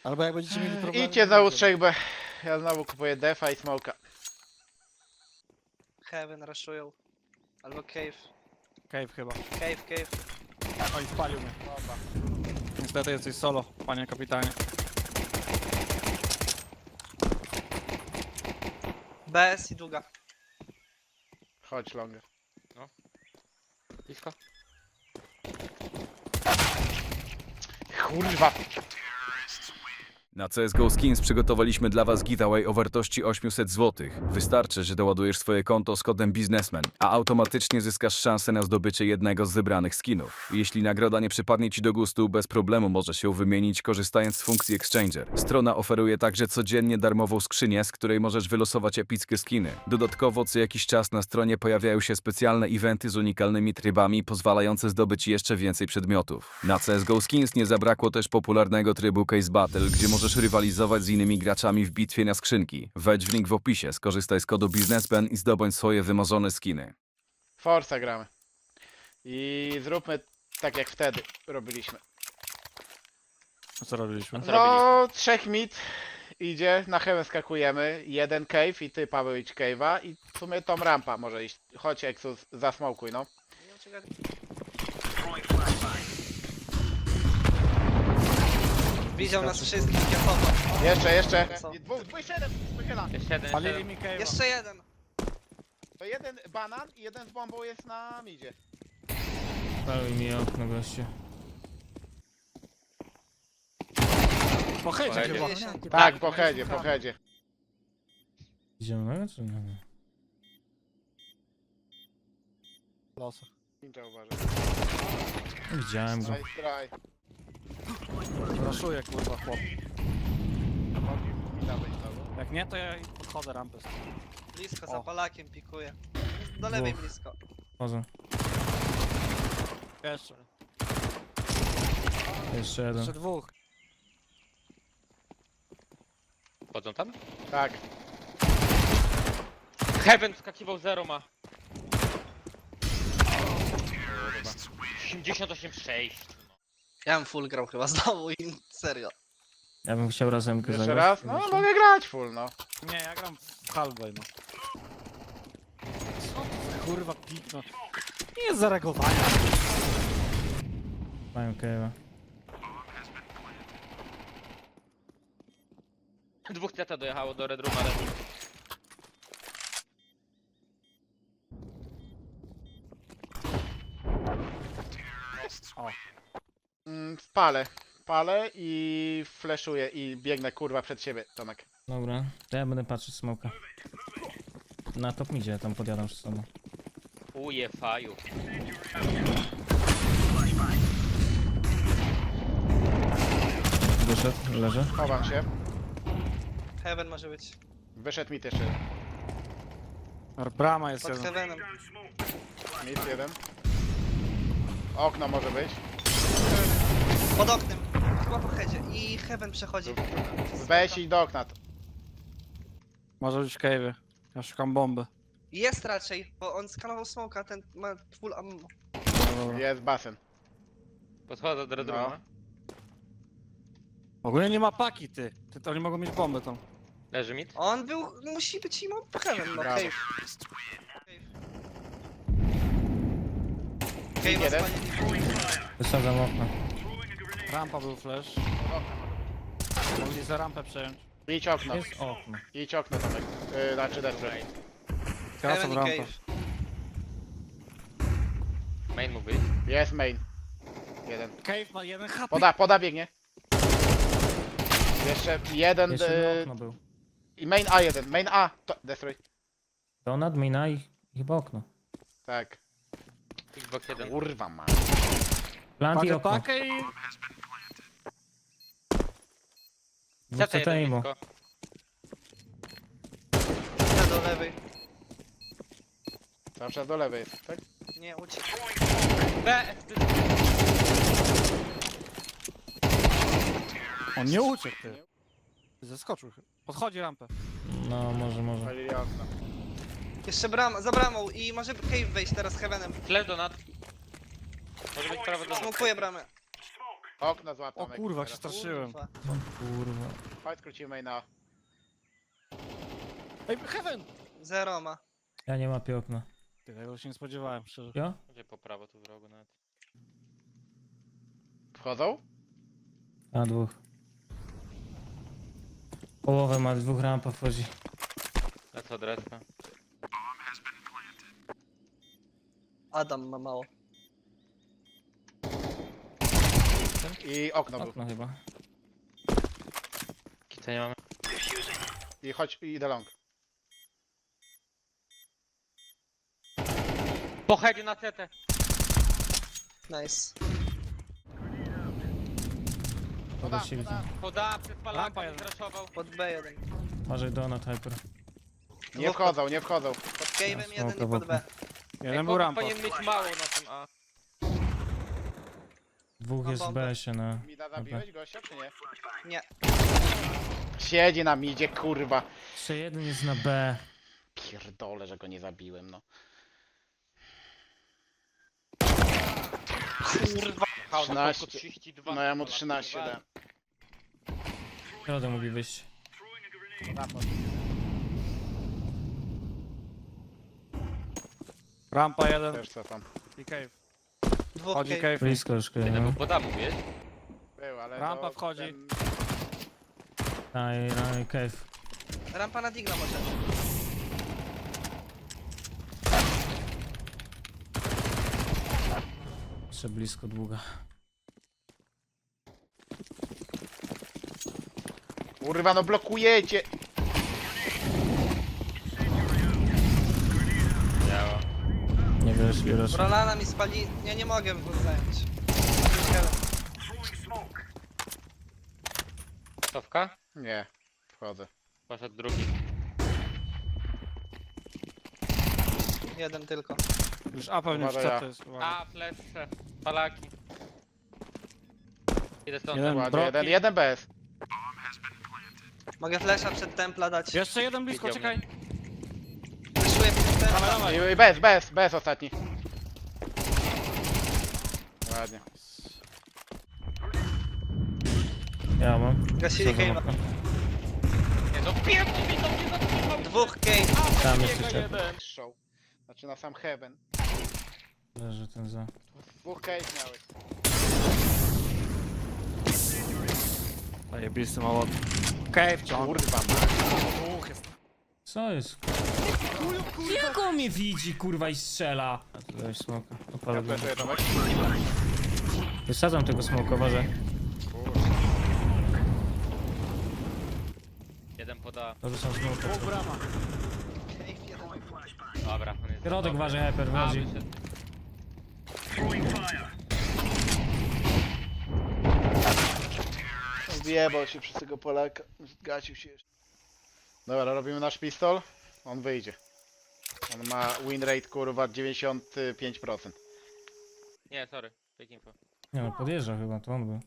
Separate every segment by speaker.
Speaker 1: Albo jak będziecie mieli problemy...
Speaker 2: Idźcie znowu 3B. Ja znowu kupuję defa i smoka.
Speaker 3: Heaven rushują. Albo cave.
Speaker 1: Cave chyba.
Speaker 3: Cave.
Speaker 1: Oj, spalił mnie. Niestety jesteś solo, panie kapitanie.
Speaker 3: BS i długa.
Speaker 2: Chodź longa.
Speaker 4: Blisko.
Speaker 2: Kurwa.
Speaker 5: Na CSGO Skins przygotowaliśmy dla Was giveaway o wartości 800 zł. Wystarczy, że doładujesz swoje konto z kodem biznesmen, a automatycznie zyskasz szansę na zdobycie jednego z wybranych skinów. Jeśli nagroda nie przypadnie Ci do gustu, bez problemu możesz ją wymienić korzystając z funkcji Exchanger. Strona oferuje także codziennie darmową skrzynię, z której możesz wylosować epickie skiny. Dodatkowo co jakiś czas na stronie pojawiają się specjalne eventy z unikalnymi trybami, pozwalające zdobyć jeszcze więcej przedmiotów. Na CSGO Skins nie zabrakło też popularnego trybu Case Battle, gdzie możesz rywalizować z innymi graczami w bitwie na skrzynki. Wejdź w link w opisie, skorzystaj z kodu biznesmen i zdobądź swoje wymarzone skiny.
Speaker 2: Forza gramy. I zróbmy tak jak wtedy robiliśmy.
Speaker 1: A co robiliśmy?
Speaker 2: No, 3 mid idzie, na heaven skakujemy, 1 cave i ty Paweł idź cave'a i w sumie tą rampa może iść. Chodź Exus, zasmokuj no.
Speaker 3: Widział nas wszystkich, kiepowo.
Speaker 2: Jeszcze.
Speaker 3: Co?
Speaker 2: Dwóch, jeden, wychyla.
Speaker 4: Jeszcze jeden.
Speaker 1: Palili mi cave'a.
Speaker 3: Jeszcze jeden.
Speaker 2: To jeden banan i jeden z bombą jest na midzie.
Speaker 6: Palił mi okno goście.
Speaker 1: Po headzie
Speaker 4: Pojedzie.
Speaker 1: chyba.
Speaker 3: 50.
Speaker 2: Tak, po headzie.
Speaker 6: Idziemy czy nie?
Speaker 1: Losa.
Speaker 2: Ninja uważaj.
Speaker 6: Widziałem go.
Speaker 2: Nice try.
Speaker 1: Raszuję kurwa chłop.
Speaker 2: Mogli mi dawać znowu.
Speaker 1: Jak nie, to ja podchodzę rampę.
Speaker 3: Blisko,
Speaker 1: O.
Speaker 3: za Polakiem pikuje. Do lewej
Speaker 6: Dwóch.
Speaker 3: blisko.
Speaker 6: Chodzę.
Speaker 1: Jeszcze.
Speaker 6: Jeszcze jeden.
Speaker 1: Jeszcze dwóch.
Speaker 4: Wchodzą tam?
Speaker 2: Tak.
Speaker 4: Heaven wskakiwał 0 ma. 88,6.
Speaker 3: Ja bym full grał chyba znowu i serio.
Speaker 6: Ja bym chciał razem
Speaker 2: Jeszcze
Speaker 6: zagrać.
Speaker 2: raz? No mogę grać full no.
Speaker 1: Nie, ja gram w halfway no. Co to za kurwa pik no. Nie jest zareagowania.
Speaker 6: Mają cave'a.
Speaker 4: Dwóch CT dojechało do Red Rooma.
Speaker 1: O.
Speaker 2: Palę i flashuję i biegnę kurwa przed siebie, Tomek.
Speaker 6: Dobra, to ja będę patrzeć smoka. Na top midzie, tam podjadam z sobą.
Speaker 4: Uje faju.
Speaker 6: Wyszedł, leży.
Speaker 2: Chowam się.
Speaker 3: Heaven może być.
Speaker 2: Wyszedł mit jeszcze.
Speaker 1: Brama jest
Speaker 3: Pod
Speaker 1: jeden.
Speaker 3: Heavenem.
Speaker 2: Mit jeden. Okno może być.
Speaker 3: Pod oknem. Chyba po headzie. I Heaven przechodzi.
Speaker 2: Weź i do okna.
Speaker 1: Może być w cave'ie. Ja szukam bomby.
Speaker 3: Jest raczej, bo on skanował smoka, ten ma full ammo.
Speaker 1: No, dobra.
Speaker 2: Jest basen.
Speaker 4: Podchodzę do Red
Speaker 2: No.
Speaker 4: Rooma.
Speaker 1: Ogólnie nie ma paki ty. To oni mogą mieć bombę tą.
Speaker 4: Leży mid.
Speaker 3: On był, musi być im od Heaven, no
Speaker 2: Brawo.
Speaker 3: cave. Cave
Speaker 2: Jeden.
Speaker 3: spalili.
Speaker 6: Wysadzam okno.
Speaker 1: Rampa był flash. Mogli za rampę przejąć.
Speaker 2: Idź okno.
Speaker 6: Jest okno.
Speaker 2: Idź okno Tomek. Znaczy desper.
Speaker 1: Teraz
Speaker 3: Heaven
Speaker 1: są
Speaker 3: i
Speaker 1: rampę.
Speaker 3: cave.
Speaker 4: Main mógł być.
Speaker 2: Jest main. Jeden.
Speaker 1: Cave ma jeden HP.
Speaker 2: Poda biegnie. Jeszcze jeden.
Speaker 6: Jeszcze jedno okno był.
Speaker 2: I main A1. Main A. To, destroy.
Speaker 6: Donat, mina i chyba okno.
Speaker 2: Tak.
Speaker 4: Xbox 1.
Speaker 2: Kurwa ma.
Speaker 6: Plant i
Speaker 1: Pakę,
Speaker 6: okno.
Speaker 1: pakę i...
Speaker 6: Dwóch
Speaker 4: CT 1
Speaker 6: CT-imo.
Speaker 4: blisko.
Speaker 3: Ja do lewej.
Speaker 2: Cały czas do lewej jest, tak?
Speaker 3: Nie, uciekł.
Speaker 4: B!
Speaker 1: On nie uciekł ty. Zeskoczył. Podchodzi rampę.
Speaker 6: No, może.
Speaker 2: Palili okno.
Speaker 3: Jeszcze brama, za bramą i może cave wejść teraz Heavenem.
Speaker 4: Flash donat. Może być prawo donat.
Speaker 3: Smokuję bramę.
Speaker 2: Okno złap
Speaker 1: O
Speaker 2: Tomek.
Speaker 1: kurwa, jak się
Speaker 2: teraz.
Speaker 1: straszyłem.
Speaker 3: Kurwa.
Speaker 6: Kurwa.
Speaker 2: Chodź, skrócimy na...
Speaker 1: Ej, Heaven!
Speaker 3: Zero ma.
Speaker 6: Ja nie łapię okna.
Speaker 1: Ty, tego się nie spodziewałem, szczerze.
Speaker 6: Jo?
Speaker 4: Gdzie po prawo tu w rogu nawet.
Speaker 2: Wchodzą?
Speaker 6: A, dwóch. Połowę ma, dwóch rampa wchodzi.
Speaker 4: Lecę od respa.
Speaker 3: Adam ma mało.
Speaker 2: I okno był.
Speaker 6: Okno chyba.
Speaker 4: Kica nie mamy.
Speaker 2: I chodź, i idę long.
Speaker 4: Po headzie na CT.
Speaker 3: Nice.
Speaker 6: Podeszli widzę.
Speaker 4: Poda przez
Speaker 1: Lampa
Speaker 4: palaka, nie
Speaker 1: jeden.
Speaker 4: zraszował.
Speaker 3: Pod B1.
Speaker 6: Może donut hyper.
Speaker 2: Nie wchodzą, nie wchodzą.
Speaker 3: Pod cave'em
Speaker 6: Ja
Speaker 3: jeden i
Speaker 6: smoka
Speaker 3: pod B.
Speaker 1: Jeden był rampa.
Speaker 4: Powinien mieć mało na tym A.
Speaker 6: Dwóch
Speaker 3: Mam
Speaker 6: jest w
Speaker 3: bombę.
Speaker 6: BS-ie na...
Speaker 2: Mida zabiłeś gościa, czy nie?
Speaker 3: Nie.
Speaker 2: Siedzi na midzie, kurwa.
Speaker 6: Jeszcze jeden jest na B.
Speaker 2: Pierdolę, że go nie zabiłem, no.
Speaker 3: Kurwa.
Speaker 4: Hał,
Speaker 2: 13.
Speaker 4: 32.
Speaker 2: No ja mu 13 dałem.
Speaker 6: Środę mógł wyjść.
Speaker 1: Rampa jeden
Speaker 2: Też cofam.
Speaker 1: i cave.
Speaker 3: Dwóch
Speaker 1: Chodzi
Speaker 3: cave.
Speaker 1: cave.
Speaker 6: Blisko już
Speaker 4: Jeden był
Speaker 6: no.
Speaker 4: poda, mówisz?
Speaker 2: Był, ale
Speaker 1: Rampa
Speaker 2: to
Speaker 1: wchodzi.
Speaker 2: ten-
Speaker 6: I cave.
Speaker 3: Rampa na digla może.
Speaker 6: Jeszcze blisko długa.
Speaker 2: Kurwa, no blokujecie!
Speaker 4: Działa.
Speaker 6: Nie wiesz, wiesz.
Speaker 3: Rolana mi spali... Ja nie mogę zająć.
Speaker 4: Cofka?
Speaker 2: Nie, wchodzę.
Speaker 4: Poszedł drugi.
Speaker 3: Jeden tylko.
Speaker 1: Już A pewnie w
Speaker 2: Uważaj, ja.
Speaker 1: CT jest. uwaga.
Speaker 4: A, flesze. Palaki. Idę stąd.
Speaker 1: Jeden.
Speaker 2: Ładnie,
Speaker 1: Broki.
Speaker 2: jeden bez.
Speaker 3: Mogę flesza przed templa dać.
Speaker 1: Jeszcze jeden blisko,
Speaker 4: Widział
Speaker 1: czekaj.
Speaker 3: Wyszuję przed templa.
Speaker 1: Dawaj, dawaj.
Speaker 2: I bez ostatni. Ładnie.
Speaker 6: Ja mam.
Speaker 3: Gasili
Speaker 6: Co za
Speaker 3: cave'a.
Speaker 6: okno?
Speaker 4: Nie, no pierdol mi to nie zatrzymał.
Speaker 3: Dwóch cave.
Speaker 6: Tam
Speaker 4: Jego
Speaker 6: jeszcze ciepło.
Speaker 4: jeden.
Speaker 2: Show. Znaczy na sam heaven.
Speaker 6: Leży ten za.
Speaker 2: Dwóch case miałeś.
Speaker 1: Zajebisty małot. Cave ciągle.
Speaker 2: Kurwa,
Speaker 1: Dwóch jest.
Speaker 6: Co jest? Jak on mnie widzi, kurwa, i strzela? A tu dałeś smoka.
Speaker 2: ja
Speaker 6: Opalę go.
Speaker 2: flashuję Tomek.
Speaker 6: Wysadzam tego smoka, uważaj.
Speaker 4: Jeden poda.
Speaker 6: Dorzucam smoka.
Speaker 1: Dwóch brama.
Speaker 3: Cave jeden.
Speaker 4: Dobra, on jest
Speaker 6: Środek
Speaker 4: dobry.
Speaker 6: uważaj, hyper,
Speaker 4: A,
Speaker 6: wchodzi.
Speaker 4: wyszedł.
Speaker 2: Zjebał się przez tego Polaka. Zgasił się jeszcze. Dobra, robimy nasz pistol. On wyjdzie. On ma win rate kurwa 95%.
Speaker 4: Nie, sorry. Fake info.
Speaker 6: Nie no, podjeżdża chyba, to on był.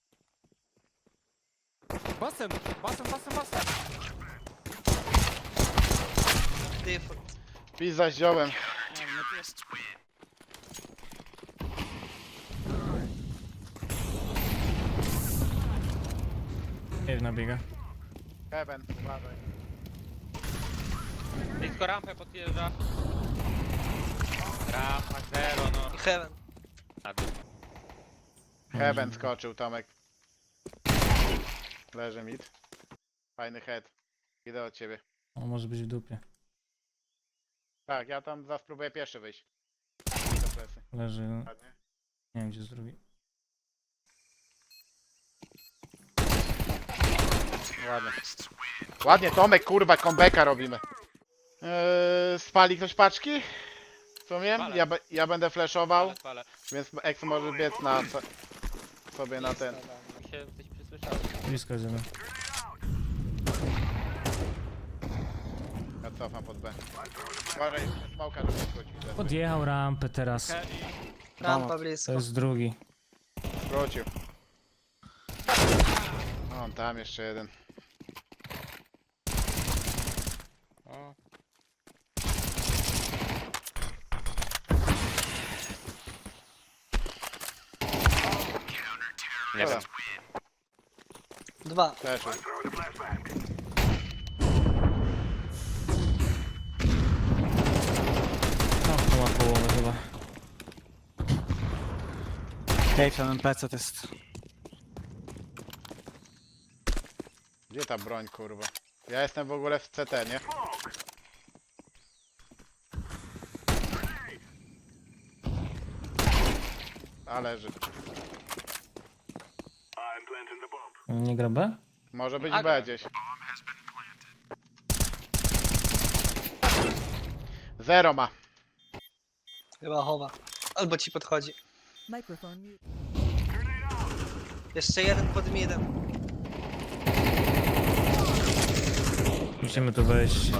Speaker 1: Basen, basen, basen, basen.
Speaker 3: Default.
Speaker 2: Pizza z ziołem.
Speaker 6: Cave nabiega.
Speaker 2: Heaven, uważaj.
Speaker 4: Blisko rampę podjeżdża. Rampa, zero, no.
Speaker 3: I heaven.
Speaker 4: Na dół.
Speaker 2: Heaven skoczył Tomek. Leży mid. Fajny head. Idę od ciebie.
Speaker 6: On może być w dupie.
Speaker 2: Tak, ja tam spróbuję pierwszy wyjść. Do plecy.
Speaker 6: Leży, no.
Speaker 2: Ładnie.
Speaker 6: Nie wiem gdzie jest drugi.
Speaker 2: Ładnie. Ładnie Tomek, kurwa, comebacka robimy. Spali ktoś paczki? Co wiem?
Speaker 4: Spalę.
Speaker 2: Ja będę flashował,
Speaker 4: Ale spalę.
Speaker 2: więc X może biec na sobie na ten.
Speaker 4: Mi się coś przysłyszało.
Speaker 6: Blisko jest jeden.
Speaker 2: Ja cofam pod B. Uważaj, smoka, żeby skrócił.
Speaker 6: Podjechał rampę teraz.
Speaker 1: Ke- i-
Speaker 3: Rampa
Speaker 1: Donut.
Speaker 6: To
Speaker 3: blisko.
Speaker 6: jest drugi.
Speaker 2: Skrócił. O, tam jeszcze jeden.
Speaker 4: O. Nie wiem.
Speaker 3: 2.
Speaker 2: Też.
Speaker 6: No, to ma połowę chyba.
Speaker 1: Cave ten NPC to jest...
Speaker 2: Gdzie ta broń, kurwa? Ja jestem w ogóle w CT, nie? A leży.
Speaker 6: Nie gra B?
Speaker 2: Może być
Speaker 4: A,
Speaker 2: B gdzieś. 0 ma.
Speaker 3: Chyba chowa. Albo ci podchodzi.
Speaker 7: Microphone mute.
Speaker 3: Jeszcze jeden pod midem.
Speaker 6: Musimy tu wejść.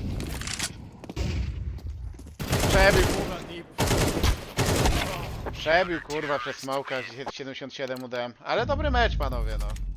Speaker 2: Przebił, kurwa. Przebił, kurwa, przez smoka. 77 udałem. Ale dobry mecz, panowie, no.